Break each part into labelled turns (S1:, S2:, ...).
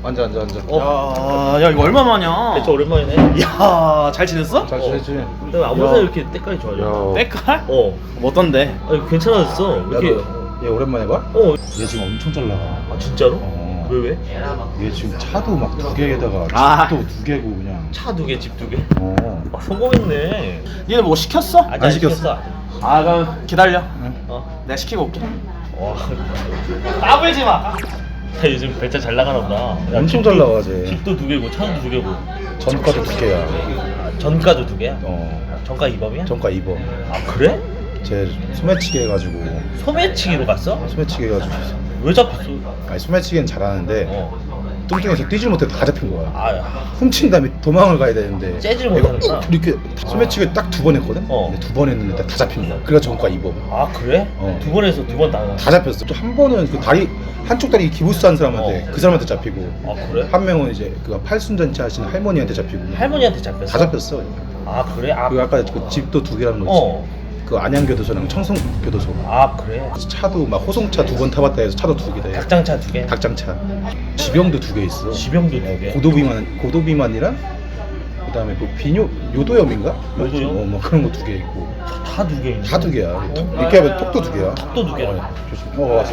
S1: 앉아.
S2: 야 이거 얼마만이야?
S3: 진짜 오랜만이네.
S2: 야, 잘 지냈어?
S1: 잘 지내지?
S3: 근데 아무 새 이렇게 때깔이 좋아져.
S2: 때깔?
S3: 어.
S2: 어떤데?
S3: 아니 괜찮아졌어. 이렇게.
S1: 얘 오랜만에 봐?
S3: 어.
S1: 얘 지금 엄청 잘 나가.
S3: 아 진짜로?
S1: 어.
S3: 왜?
S1: 얘 지금 차도 막 2개에다가
S2: 아.
S1: 집도 2개고 그냥.
S3: 차 2개, 집 2개.
S1: 어.
S3: 아 성공했네.
S2: 니네 뭐 시켰어?
S3: 아직
S1: 안 시켰어.
S2: 아 그럼 기다려.
S3: 어.
S2: 내가 시키고 올게.
S3: 와.
S2: 까불지 마.
S3: 야, 요즘 배차 잘 나가나 보다. 야,
S1: 엄청
S3: 집도-
S1: 잘 나가, 쟤.
S3: 집도 2개고 차도 2개고.
S1: 전과도 2개야.
S3: 아, 전가도 2개야?
S1: 어.
S3: 전가 2범이야?
S1: 전과 2번.
S3: 아 그래?
S1: 쟤 소매치기 해가지고.
S3: 소매치기로 갔어?
S1: 소매치기 해가지고.
S3: 왜 잡혔어?
S1: 아니 소매치기는 잘하는데
S3: 어.
S1: 뚱뚱해서 뛰질 못해 다 잡힌 거야.
S3: 아,
S1: 훔친 다음에 도망을 가야 되는데
S3: 째질
S1: 내가
S3: 못하는구나.
S1: 이렇게 소매치기 딱 2번 했거든?
S3: 어.
S1: 근데 2번 했는데 다 잡힌 거야. 그래서 전과 2번.
S3: 아 그래?
S1: 어.
S3: 2번에서 2번 다.
S1: 다 잡혔어. 또 한 번은 그 다리 한쪽 다리 기부스한 사람한테
S3: 어.
S1: 그 사람한테 잡히고
S3: 아 그래?
S1: 한 명은 이제 그 팔순잔치 하시는 할머니한테 잡히고
S3: 할머니한테 잡혔어?
S1: 다 잡혔어.
S3: 아 그래? 아,
S1: 그 아까 그 집도 2개라는 거 있지.
S3: 어.
S1: 그 안양교도소랑 청송교도소.
S3: 아 그래?
S1: 차도 막 호송차 2번 타봤다 해서 차도 2개다.
S3: 닭장차 2개?
S1: 닭장차. 지병도 2개 있어.
S3: 지병도 2개?
S1: 고도비만이랑 그다음에 그 비뇨 요도염인가?
S3: 요도염?
S1: 뭐 그런 거 2개 있고.
S3: 다 2개 있네.
S1: 다 2개야. 이렇게 하면 톡도 2개야.
S3: 톡도 2개야.
S1: 조심. 왔어.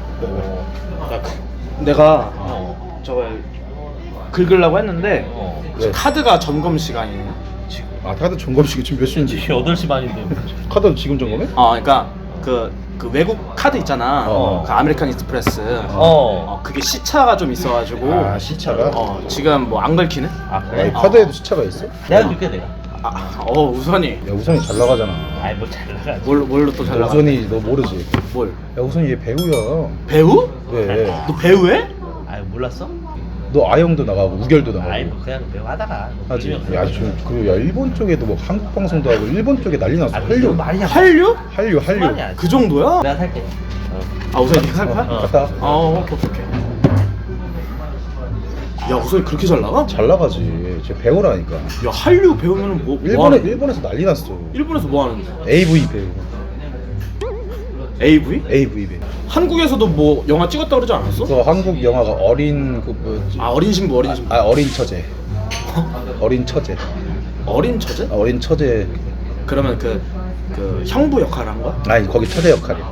S2: 내가
S3: 어.
S2: 저거 긁으려고 했는데
S3: 어.
S1: 왜?
S2: 카드가 점검 시간이네.
S3: 지금
S1: 아 카드 점검식이 지금 몇 시인지.
S3: 8시 반인데.
S1: 카드 지금 점검해?
S2: 그러니까 그 외국 카드 있잖아.
S1: 어.
S2: 그 아메리칸 익스프레스.
S3: 어.
S2: 그게 시차가 좀 있어가지고.
S1: 시차가?
S2: 지금 뭐 안 긁히네?
S3: 아
S1: 아, 이
S3: 그래?
S1: 카드에도 시차가 있어?
S3: 내가 줄게 내가.
S2: 우선이
S1: 야 우선이 잘 나가잖아.
S3: 아이 뭐 잘 나가.
S2: 뭘로 또 잘 나가?
S1: 우선이 너 모르지?
S2: 뭘?
S1: 야 우선이 얘 배우야.
S2: 배우?
S1: 왜?
S2: 너 배우해?
S3: 아이 몰랐어?
S1: 너 아영도 나가고 우결도 나가고.
S3: 아이 뭐 그냥 배우 하다가. 뭐
S1: 하지.
S3: 밀면
S1: 야 지금 그리고 야 일본 쪽에도 뭐 한국 방송도 하고 일본 쪽에 난리 났어.
S3: 아,
S1: 한류.
S3: 말이야.
S2: 한류?
S1: 한류.
S3: 말이야.
S2: 그 정도야?
S3: 내가 살게.
S2: 우선이 네가 살 거야?
S3: 어.
S1: 갔다.
S2: 오케이. 야 우선이 그렇게 잘 나가?
S1: 잘 나가지. 쟤 배우라니까.
S2: 야 한류 배우면은 뭐
S1: 일본에서 난리 났어.
S2: 일본에서 뭐 하는데?
S1: AV 배우.
S2: AV?
S1: AV 배우.
S2: 한국에서도 뭐 영화 찍었다 그러지 않았어?
S1: 그 한국 영화가 어린 그 뭐지?
S2: 어린 신부
S1: 어린 처제. 어린 처제.
S2: 어린 처제?
S1: 어린 처제.
S2: 그러면 그 형부 역할을 한 거야?
S1: 아니 거기 처제 역할이야.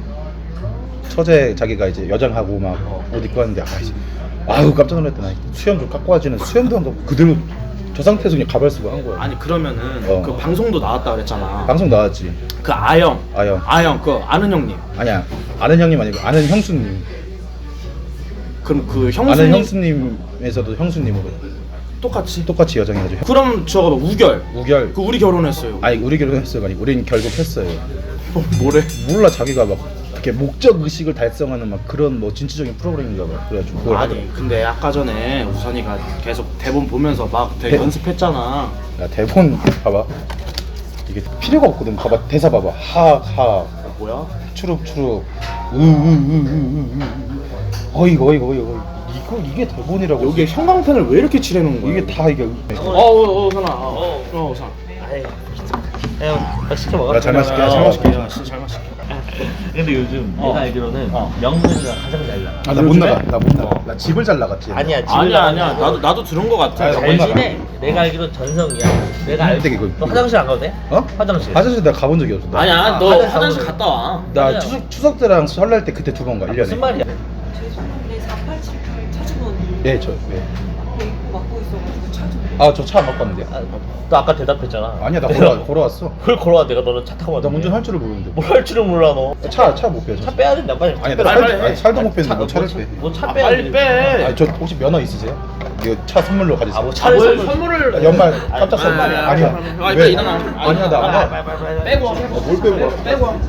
S1: 처제 자기가 이제 여장하고 막 옷 입고 왔는데 아유 깜짝 놀랐다. 나 수염 좀 깎고 하지는 수염도 안 깎고 그대로 저 상태에서 그냥 가발 쓰고 한 거야.
S2: 아니 그러면은 그 방송도 나왔다 그랬잖아.
S1: 방송 나왔지.
S2: 그 아영 그 아는 형님.
S1: 아니야 아는 형님 아니고 아는 형수님.
S2: 그럼 그
S1: 아는
S2: 형수님
S1: 형수님에서도 형수님으로 똑같이 여장해가지고.
S2: 그럼 저거 봐, 우결
S1: 우결.
S2: 그 우리 결혼했어요.
S1: 아니 우리 결혼했어요. 아니 우린 결국 했어요.
S2: 뭐래?
S1: 몰라 자기가 막 이렇게 목적 의식을 달성하는 막 그런 뭐 진취적인 프로그램인가 봐. 그래가지고 그걸 하더라고.
S2: 아니 근데 아까 전에 우선이가 계속 대본 보면서 막 되게 연습했잖아.
S1: 야 대본 봐봐. 이게 필요가 없거든. 봐봐 대사 봐봐. 하하
S2: 뭐야?
S1: 추룩추룩 우우우우우우 어이구 이게 대본이라고.
S2: 여기에 형광펜을 왜 이렇게 칠해놓은 거야?
S1: 이게 다 이게
S2: 선아. 우선.
S3: 아이. 형 시켜 먹어.
S1: 야, 잘 마실게. 잘 마실게.
S2: 진짜 잘 마실게.
S3: 근데 요즘 내가 알기로는 명근이가 가장 잘 나가.
S1: 나 못 나가. 나 못 나가.
S3: 어.
S1: 나 집을 잘 나갔지.
S3: 아니야 집을
S2: 아니야
S3: 나가는 거.
S2: 나도 들은 거 같아.
S1: 아니, 나
S3: 잘
S1: 못 나가.
S3: 지내. 내가 알기로 전성이야. 내가 알고.
S1: 근데 이거-
S3: 너 화장실 안 가도 돼?
S1: 어?
S3: 화장실.
S1: 화장실 내가 가본 적이 없어. 나.
S2: 아니야 너
S3: 화장실
S2: 화장실
S3: 가보자.
S2: 갔다 와.
S1: 나
S3: 아니야.
S1: 추석 때랑 설날 때 그때 2번 가. 1년에.
S3: 무슨 말이야?
S4: 죄송한데 4878 차주분
S1: 네,
S4: 앞에 막고 있어가지고 차주분
S1: 저 차 안 갖고 왔는데.
S3: 너 아까 대답했잖아.
S1: 아니야 나
S3: 내가
S1: 걸어왔어.
S3: 그걸 걸어와. 내가 너는 차 타고
S1: 나
S3: 왔는데.
S1: 운전할 줄을 모르는데.
S3: 뭘 할 줄을 몰라 너.
S1: 차 못 빼.
S3: 차 빼야 된다 빨리.
S1: 아니
S3: 차
S1: 나
S3: 빼라.
S1: 살, 아니, 살도 못 뺐는데 뭐 차를 빼.
S3: 뭐차 빼야
S2: 빨리 빼.
S1: 아니 저 혹시 면허 있으세요? 이거 차 선물로 가지세요.
S3: 아뭐 차를
S2: 선물을
S1: 아, 연말 깜짝 선물.
S2: 아니야.
S1: 아니야.
S2: 일단
S1: 왜?
S2: 일어나.
S1: 아니야 나 안 가.
S2: 빼고 와.
S1: 뭘 빼고 와?
S2: 빼고 와.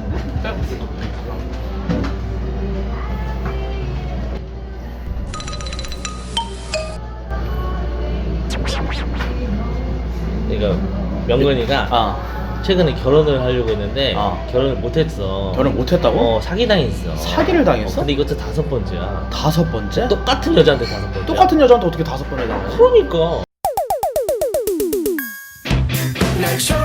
S3: 그러니까 명근이가 최근에 결혼을 하려고 했는데 결혼을 못했어.
S2: 결혼 못했다고?
S3: 사기당했어.
S2: 사기를 당했어?
S3: 근데 이것도 5번째야.
S2: 5번째?
S3: 똑같은 여자한테 5번째.
S2: 똑같은 여자한테 어떻게 5번을 당해?
S3: 그러니까.
S5: 날